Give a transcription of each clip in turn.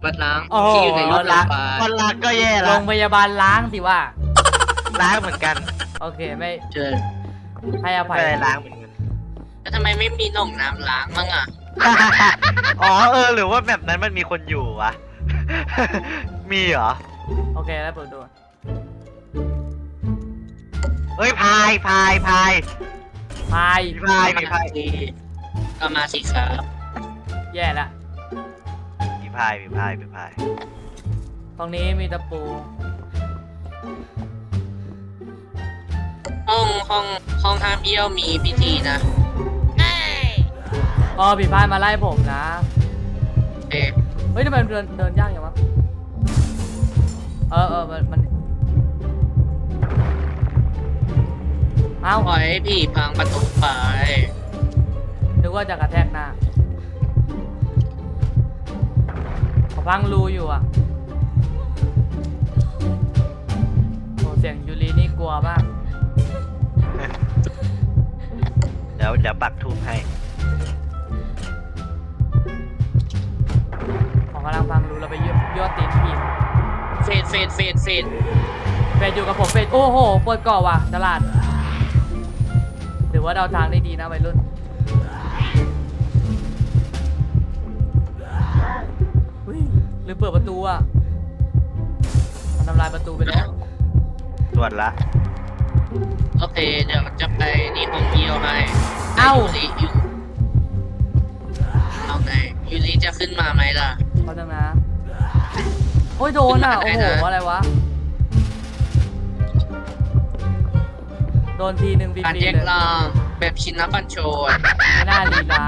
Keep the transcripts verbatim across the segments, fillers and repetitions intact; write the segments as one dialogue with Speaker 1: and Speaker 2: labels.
Speaker 1: วัดล้าง
Speaker 2: โอ้โห
Speaker 1: ที่อยู่ในรถล้าง
Speaker 3: คนล้างก็แย่
Speaker 2: โร
Speaker 3: ละ
Speaker 2: งพยาบาลล้างสิว่า
Speaker 3: ล้างเหมือนกัน
Speaker 2: โอเคไม่
Speaker 1: เจอ
Speaker 2: ให้อภัย
Speaker 3: ไม่ได้ล้างเหมือนกัน
Speaker 1: แล้วทำไมไม่มีหน่องน้ำล้างมั่งอ่ะ
Speaker 3: อ๋อเออหรือว่าแบบนั้นมันมีคนอยู่วะ มีเหรอ
Speaker 2: โอเคแล้วเปิดดู
Speaker 3: เฮ้ยพายพายพาย
Speaker 2: พาย
Speaker 3: มีพายมีพาย
Speaker 1: ก็มาสิครับ
Speaker 2: แย่ละ
Speaker 3: มีพายมีพายมีพาย
Speaker 2: ตรงนี้มีตะปู
Speaker 1: ห้องห้องห้องห้ามเยี่ยวมีพิธีนะ
Speaker 2: อ๋อผีพายมาไล่ผมนะ
Speaker 1: เอ๊ะ
Speaker 2: เฮ้ยทำไมมันเดินเดินยากอย่างวะเออเออมันมันเอ้า
Speaker 1: ปล่อยให้พี่พังประตูไป
Speaker 2: นึกว่าจะกระแทกหน้าเขาพังรูอยู่อ่ะโอ้เสียงยูรีนี่กลัวมาก
Speaker 3: เดี๋ยวเดี๋ยวปักทูบให้
Speaker 2: ของกำลังพังรูเราไปยั่วยั่วตีนผีมา
Speaker 1: เฟดเฟดเฟดเฟด
Speaker 2: เฟดอยู่กับผมเฟดโอ้โหเปิดก่อว่ะตลาดถือว่าเดาทางได้ดีนะวัยรุ่นเฮ้ยหรือเปิดประตูอ่ะมันทำลายประตูไปแล้ว
Speaker 3: ตรวจละ
Speaker 1: โอเคเดี๋ยวจะไปนี่ห้องเยี่ยวให้
Speaker 2: เอ้า
Speaker 1: ยูริอยู่เอาไงยูริจะขึ้นมาไหมล่ะ
Speaker 2: เขาจังนะโอ้ยโดนอ่ะ โอ้โห อะไรวะ โดนทีหนึ่งฟรี
Speaker 1: การ
Speaker 2: ๆ
Speaker 1: แยก
Speaker 2: เลย
Speaker 1: ล่างแบบชินบัญโชน
Speaker 2: ไม่น่าลีลา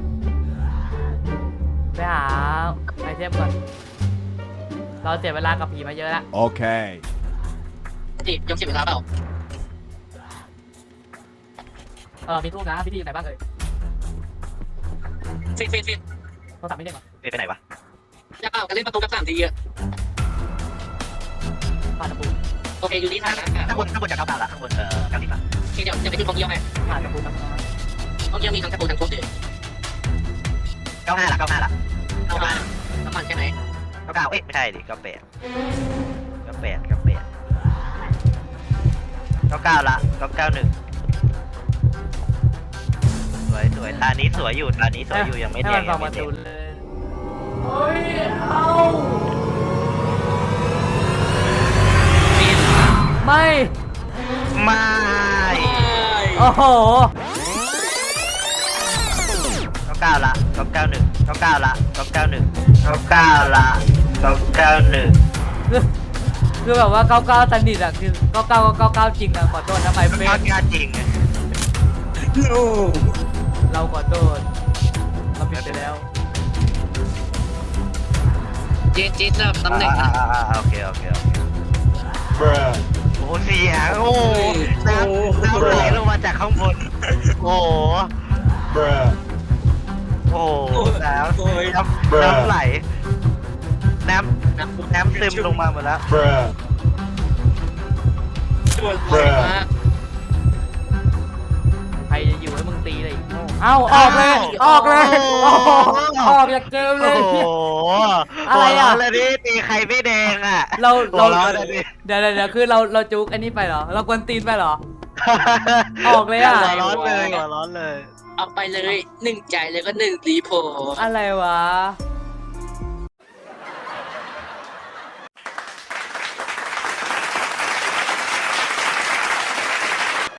Speaker 2: ไปหาไอเทมก่อน เราเสียเวลากับผีมาเยอะแล้ว
Speaker 4: Okay.
Speaker 1: ติดยังเสียเวลาเปล่า
Speaker 2: เออมีทูบนะพิธีอยู่ไหนบ้างเอ่ย
Speaker 1: ฟิตฟิตฟิต
Speaker 2: โทรศัพท์ไม่ได้เหรอ
Speaker 3: ไปไหนวะ
Speaker 1: จะเปล่ากันเล่นประตูกับสามทีอะ
Speaker 2: ผ่านตะปู
Speaker 1: โอเคยูริถ่ายนะ
Speaker 3: ข้างบนข้างบนจะเข้าตาละข้างบนเอ่อเก้าสิบละ
Speaker 1: โอเคเดี๋ยวจะไปขึ้นห้องเยี่ยวให้
Speaker 2: ผ่านตะปูทั้งนั้น
Speaker 1: ห้องเยี่ยวมีทั้งตะปูทั้งทุบเลย
Speaker 3: เก้าห้าละเก้าห้าละ
Speaker 1: เอามาน้ำมันใช่ไหม
Speaker 3: เก้าเก้าเอ๊ะไม่ใช่ดิเก้าแปดเก้าแปดเก้าแปดเก้าเก้าละเก้าเก้าหนึ่งสวยสวยตานี้สวยอยู่ตานี้สวยอยู่ยังไม่แด
Speaker 2: ให้
Speaker 3: ง
Speaker 2: มันฟั
Speaker 3: ยัง ง
Speaker 2: ป
Speaker 3: ไม่
Speaker 2: ระ
Speaker 3: แด
Speaker 2: ตู
Speaker 3: ง
Speaker 2: เลยเฮ้ยเอา
Speaker 1: ฟิต
Speaker 2: ไม่
Speaker 3: ไม่
Speaker 2: โอ้โห
Speaker 3: เก้าเก้าละเก้าเก้าหนึ่งเก้าเก้าละเก้าเก้าหนึ่งเก้าเก้าละเก้าเก้าหนึ่ง
Speaker 2: คือคือแบบว่าเก้าเก้าตันดิดอะคือเก้าเก้าก็เก้าเก้าจริงอะขอโทษนะไมเฟ
Speaker 3: เก้าน เก้าจริง
Speaker 2: เราขอโทษเราผิดไปแล้ว
Speaker 1: เจนเจนจะตำแหน่ง
Speaker 3: อ่าอ่าอ่าโอเคโอเคโอเค
Speaker 4: Bruh.
Speaker 3: โอ้เสียงโอ้น้ำน้ำไหลลงมาจากข้างบนโอ้
Speaker 4: Bruh.
Speaker 3: โอ้น้ำน้ำน้ำไหลน้ำน้ำน้ำซึมลงมาหมดแล้ว
Speaker 4: Bruh.
Speaker 1: ช่วยบ่อยมาก
Speaker 2: ใครจะอยู่ให้มึงตีเลยโง่เอ้าออกเลย ออกเลยโอ้โหออกจากเกมเล
Speaker 3: โอ้
Speaker 2: ย
Speaker 3: โห
Speaker 2: อะไรอะ
Speaker 3: หัวเาเลยดิตีใครไม่แดงอ่ะ
Speaker 2: เราเรา
Speaker 3: หัวเราะเลยดิ
Speaker 2: เดี๋ยวเดี๋ยวเดี๋ยวคือเราเราจุกอันนี้ไปเหรอ เรากวนตีนไปเหรอ ออกเลยอะ
Speaker 3: หัวร้อนเลยหัวร้อนเลย
Speaker 1: เอาไปเลยหนึ่งใจเลยก็หนึ่งรีโพ
Speaker 2: อะไรวะ